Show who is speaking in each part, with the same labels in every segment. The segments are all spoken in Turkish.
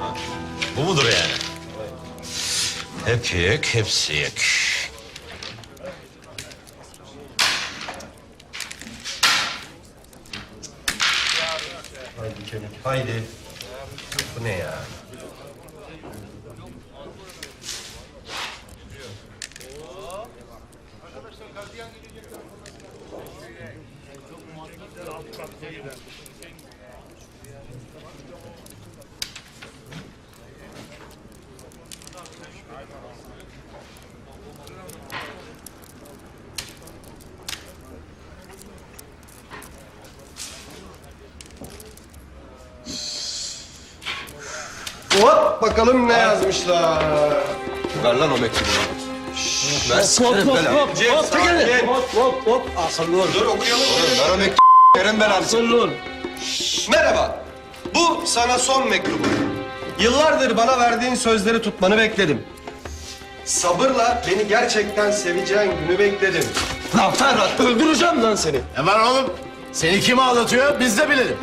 Speaker 1: Bu mudur yani? Hep yek, hepsi yek.
Speaker 2: Haydi kemik, haydi. Bu ne ya? Hop bakalım ne yazmışlar.
Speaker 3: Ver lan o mektubu. Ver
Speaker 2: Hop. Akıllı ol. Dur okuyalım.
Speaker 3: Ver o mektubu. Verin ben abi.
Speaker 2: Akıllı ol.
Speaker 4: Merhaba. Bu sana son mektubum. Yıllardır bana verdiğin sözleri tutmanı bekledim. Sabırla beni gerçekten seveceğin günü bekledim.
Speaker 3: Lan Ferhat öldüreceğim lan seni.
Speaker 5: Ne var oğlum? Seni kim ağlatıyor biz de bilelim.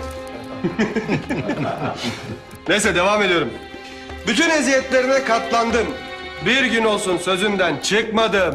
Speaker 4: Neyse devam ediyorum. Bütün eziyetlerine katlandım. Bir gün olsun sözünden çıkmadım.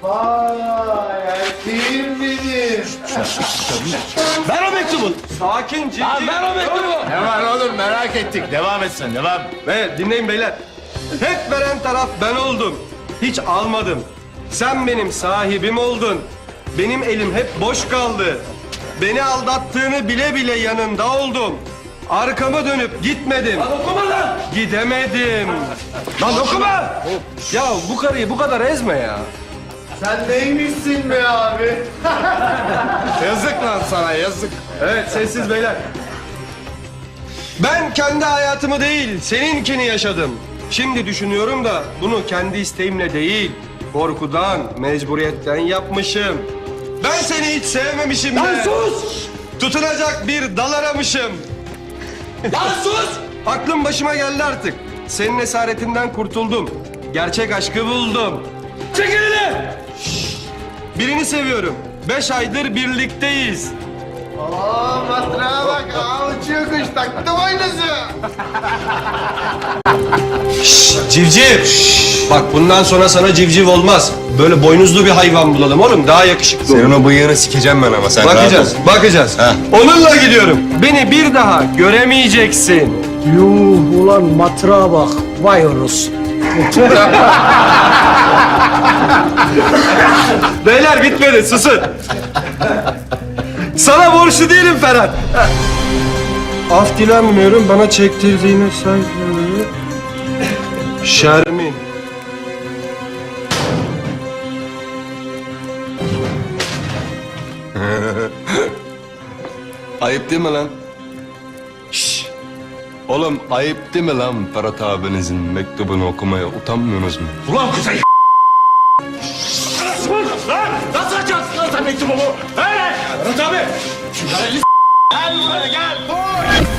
Speaker 5: Kim bilir?
Speaker 3: Ver o mektubu.
Speaker 4: Sakin, ciddi.
Speaker 3: Ver o mektubu.
Speaker 5: Ne var oğlum merak ettik. Devam et sen devam.
Speaker 4: Ve dinleyin beyler. Hep veren taraf ben oldum. Hiç almadım. Sen benim sahibim oldun. Benim elim hep boş kaldı. Beni aldattığını bile bile yanında oldum. Arkamı dönüp gitmedim.
Speaker 3: Lan okuma lan.
Speaker 4: Gidemedim. Lan okuma! Ya bu karıyı bu kadar ezme ya.
Speaker 5: Sen neymişsin be abi? Yazık lan sana yazık.
Speaker 4: Evet sessiz beyler. Ben kendi hayatımı değil seninkini yaşadım. Şimdi düşünüyorum da bunu kendi isteğimle değil, korkudan, mecburiyetten yapmışım. Ben seni hiç sevmemişim de.
Speaker 3: Lan sus.
Speaker 4: Tutunacak bir dal aramışım.
Speaker 3: Lan sus.
Speaker 4: Aklım başıma geldi artık. Senin esaretinden kurtuldum. Gerçek aşkı buldum.
Speaker 3: Çek elini.
Speaker 4: Birini seviyorum. 5 aydır birlikteyiz.
Speaker 5: Aa matrağa bak uçuyor kuş taktım aynısı.
Speaker 4: Civciv. Bak bundan sonra sana civciv olmaz. Böyle boynuzlu bir hayvan bulalım oğlum. Daha yakışıklı olur.
Speaker 3: Senin o bıyığını sikeceğim ben ama sen
Speaker 4: Bakacağız,
Speaker 3: rahat ol.
Speaker 4: bakacağız.
Speaker 3: Heh.
Speaker 4: Onunla gidiyorum. Beni bir daha göremeyeceksin.
Speaker 6: Yuh ulan matrağa bak. Vay orası.
Speaker 4: Beyler bitmedi, susun. Sana borçlu değilim Ferhat. Af dilenmiyorum, bana çektirdiğine saygı. Şermin.
Speaker 3: Ayıp değil mi lan? Şşş. Oğlum ayıp değil mi lan Ferhat abinizin mektubunu okumaya utanmıyorsunuz mu?
Speaker 5: Ulan kuzey. Lan nasıl açarsın lan sen mektubu bu? He? Ferhat abi. Gel buraya gel.